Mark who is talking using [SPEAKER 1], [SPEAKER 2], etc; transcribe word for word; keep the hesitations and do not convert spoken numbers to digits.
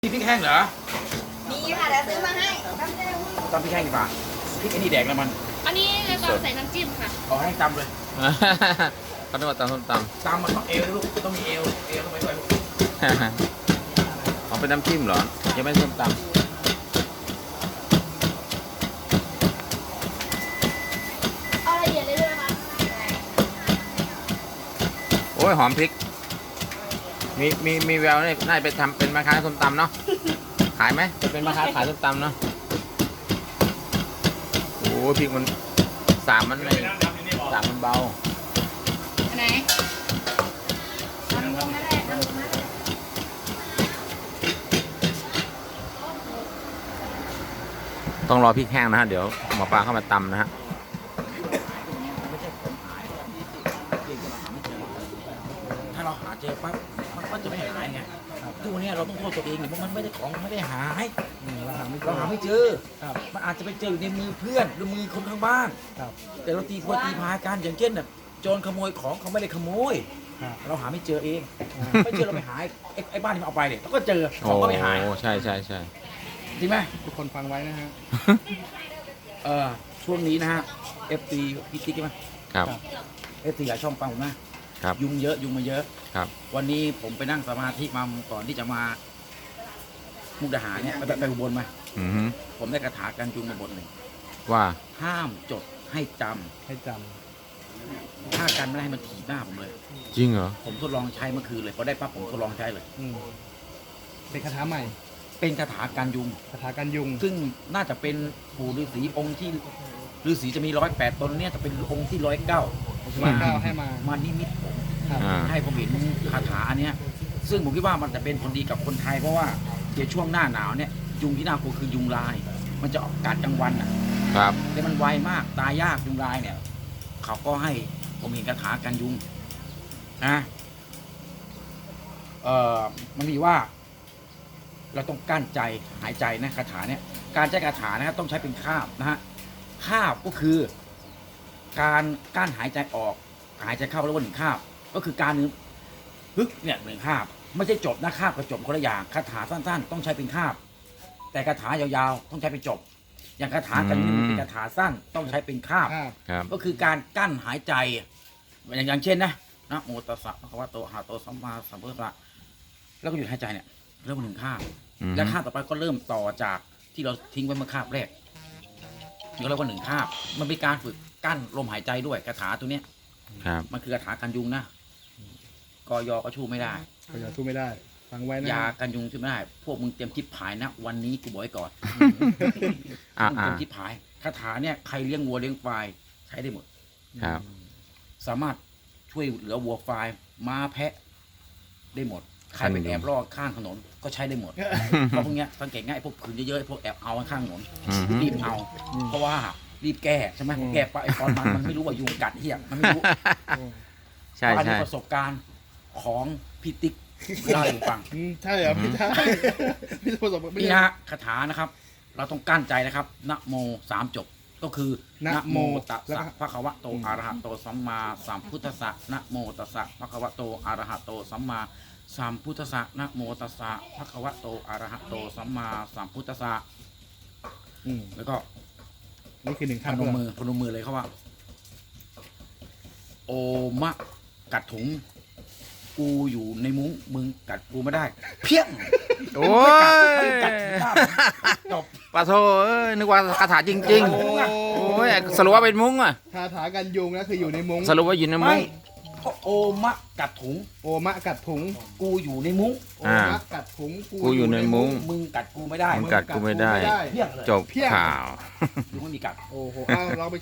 [SPEAKER 1] มีพริกแห้งเหรอ
[SPEAKER 2] มีค่ะเดี๋ยวซื้อมาให้
[SPEAKER 1] ตำพริกแห้งดีกว่าพริกไอ้นี่แดกแล้วมัน
[SPEAKER 3] อันนี้เราต้องใส่น้ำจิ้มค่ะ
[SPEAKER 1] เอาให้ตำเลย
[SPEAKER 4] เขาต้องมาตำส้มต
[SPEAKER 1] ตำมันต้องเอวนะลูกต้องมีเอวเอวต้องไปด้วยลูก
[SPEAKER 4] ำ เขาเป็นน้ำจิ้มเหรอยังไม่ส้มต
[SPEAKER 3] เอาละเอียดเลยด้วยนะคะ
[SPEAKER 4] ำโอ้ยหอมพริก มีมีมีแววนี่น่าจะไปทำเป็นแม่ค้าส้มตำเนาะขายไหมจะเป็นแม่ค้าขายส้มตำเนาะโอ้ยพริกมันสามมันเลยสามมันเบา
[SPEAKER 3] อันไหน
[SPEAKER 4] ต้องรอพริกแห้งนะฮะเดี๋ยวหมอปลาเข้ามาตำนะฮะ
[SPEAKER 1] ถ้าเราหาเจอปั๊บมันก็จะไม่หายไงทุกวันนี้เราต้องโทษตัวเองเพราะมันไม่ได้ของไม่ได้หายเราหาไม่เราหาไม่เจอมันอาจจะไปเจออยู่ในมือเพื่อนหรือมือคนข้างบ้านแต่เราตีพวตีพายกันอย่างเช่นแบบโจรขโมยของเขาไม่ได้ขโมยเราหาไม่เจอเองไม่เจอเราไปหาไอ้ไอ้บ้านที่มันเอาไปเนี่ยเราก็เจอข
[SPEAKER 4] โอ้
[SPEAKER 1] องก็ไม่หาย
[SPEAKER 4] ใช่ใช่ใช่
[SPEAKER 1] จริงไหม
[SPEAKER 5] ทุกคนฟังไว้นะฮะ
[SPEAKER 1] เออช่วงนี้นะฮะเอฟซีพี่ติ๊กใช่ไหม
[SPEAKER 4] ครับ
[SPEAKER 1] เอฟซีหลายช่องฟังผมนะครับ ยุงเยอะยุงมาเยอะ
[SPEAKER 4] ครับ
[SPEAKER 1] วันนี้ผมไปนั่งสมาธิมาก่อนที่จะมามุกดาหารเนี่ยไปไปไปอุบลมา
[SPEAKER 4] อือฮึ
[SPEAKER 1] ผมได้คาถากันยุงมาบทหนึ่ง
[SPEAKER 4] ว่า
[SPEAKER 1] ห้ามจดให้จำ
[SPEAKER 5] ให้จ
[SPEAKER 1] ถ้ากันไม่ได้ให้มันถีบหน้าผมเลย
[SPEAKER 4] จริงเหรอ
[SPEAKER 1] ผมทดลองใช้เมื่อคืนเลยพอได้ปั๊บผมทดลองใช้เลย
[SPEAKER 5] ำอืมเป็นคาถาใหม่
[SPEAKER 1] เป็นคาถากันยุง
[SPEAKER 5] คาถากันยุง
[SPEAKER 1] ซึ่งน่าจะเป็นปู่ฤาษีองค์ที่ฤาษีจะมีร้อยแปดตนเนี่ยจะเป็นองค์ที่ร้อยเก้า
[SPEAKER 5] มาเก้าให้มา
[SPEAKER 1] มานิมิตผม
[SPEAKER 5] ครับ
[SPEAKER 4] อ่า
[SPEAKER 1] ให้ผมเห็นคาถาอันเนี้ยซึ่งผมคิดว่ามันจะเป็นผลดีกับคนไทยเพราะว่าเดี๋ยวช่วงหน้าหนาวเนี่ยยุงที่น่ากลัวคือยุงลาย มันจะออกกัดกลางวันอ่ะ
[SPEAKER 4] ครับ
[SPEAKER 1] แต่มันไวมากตายยากยุงลายเนี่ยเขาก็ให้ผมเห็นคาถากันยุงนะเอ่อมันมีว่า เราต้องกั้นใจหายใจนะคาถาเนี่ยการใช้คาถานะครับต้องใช้เป็นคาบนะฮะคาบก็คือ การกั้นหายใจออกหายใจเข้าแล้วว่าหนึ่งคาบ ก็คือการนึงฮึกเนี่ยหนึ่งคาบ ไม่ใช่จบนะคาบกับจบคนละอย่างคาถาสั้นๆ ต้องใช้เป็นคาบ แต่คาถายาวๆ ต้องใช้เป็นจบ อย่างคาถากันยุงเป็นคาถาสั้นต้องใช้เป็นคาบ
[SPEAKER 5] ครับ
[SPEAKER 4] ครับ
[SPEAKER 1] ก็คือการกั้นหายใจอย่างอย่างเช่นนะนะโมตัสสะภะคะวะโตอะระหะโตสัมมาสัมพุทธัสสะแล้วก็หยุดหายใจเนี่ยเริ่มหนึ่งคาบ
[SPEAKER 4] อือฮึ
[SPEAKER 1] และคาบต่อไปก็เริ่มต่อจากที่เราทิ้งไว้เมื่อคาบแรกนี่ก็เรียกว่าหนึ่งคาบ มันเป็นการฝึกกั้นลมหายใจด้วยคาถาตัวเนี้ย
[SPEAKER 4] ครับ
[SPEAKER 1] มันคือคาถากันยุงนะกอยอก็ชูไม่ได้
[SPEAKER 5] ก็อย่าสู้ไม่ได้ ฟังไว้นะ
[SPEAKER 1] ยากันยุงช่วยไม่ได้ พวกมึงเตรียมจิบผายนะ วันนี้กูบอกไว้ก่อน
[SPEAKER 4] อ่า
[SPEAKER 1] มึง
[SPEAKER 4] อ่า
[SPEAKER 1] เตรียมจิบผายคาถาเนี่ยใครเลี้ยงวัวเลี้ยงควายใช้ได้หมด
[SPEAKER 4] ครับ
[SPEAKER 1] สามารถช่วยเหลือวัวควายม้าแพะได้หมด ใครเป็นแอบล่อข้างถนนก็ใช้ได้หมด เพราะพวกเนี้ยสังเกตง่ายพวกขืนเยอะๆพวกแอบเอาข้างถนน
[SPEAKER 4] อือฮึ
[SPEAKER 1] รีบเอา เพราะว่ารีบแก้ใช่ไหมแก้ไปไอ้ตอนมันมันไม่รู้ว่ายุงกัดเหี้ยมันไม่รู้
[SPEAKER 4] ใช่
[SPEAKER 1] อัน
[SPEAKER 4] ใช่
[SPEAKER 1] นี้ประสบการณ์ของพี่ติ๊กเล่าให้ผมฟัง
[SPEAKER 5] อืมใช่เหรอไม่ใช่ไม่ใช่ประสบการณ์ไม่
[SPEAKER 1] นี่
[SPEAKER 5] ใช่
[SPEAKER 1] ฮะคาถานะครับ เราต้องกั้นใจนะครับนะโมสามจบ ก็คือนะโมตัสสะภะคะวะโตอะระหะโตสัมมาสัมพุทธัสสะนะโมตัสสะภะคะวะโตอะระหะโตสัมมาสัมพุทธัสสะนะโมตัสสะภะคะวะโตอะระหะโตสัมมาสัมพุทธัสสะ
[SPEAKER 5] อืม
[SPEAKER 1] แล้วก็
[SPEAKER 5] นี่คือหนึ่ง
[SPEAKER 1] พ
[SPEAKER 5] คำ
[SPEAKER 1] นมมือพนมมือเลยเขาว่า โอมะกัดถุง กูอยู่ในมุ้งมึงกัดกูไม่ได้ เพี้ยง
[SPEAKER 4] โอ้ย
[SPEAKER 1] กัดหน้าผมจบ
[SPEAKER 4] ปะโทเอ้ยนึกว่าคาถาจริง ๆ โอ้ยสรุปว่าเป็นมุ้งอ่ะ
[SPEAKER 5] คาถากันยุงนะคืออยู่ในมุ้ง
[SPEAKER 4] สรุปว่าอยู่ในมุ้
[SPEAKER 1] ไม่
[SPEAKER 4] ง
[SPEAKER 1] เพราะโอมะกัดถุง
[SPEAKER 5] โอมะกัดถุง
[SPEAKER 1] กูอยู่ในมุ้ง
[SPEAKER 5] โอ
[SPEAKER 4] อ่า
[SPEAKER 5] มะกัดถุง
[SPEAKER 4] กูอยู่ในมุ้ง
[SPEAKER 1] มึงกัดกูไม่ได้
[SPEAKER 4] มึงกัดกูไม่ได้
[SPEAKER 1] เพี้ยงเลย
[SPEAKER 4] จบข่าว
[SPEAKER 1] ยุงไม่มีกัด
[SPEAKER 5] โอ้โหอ้าวเราไป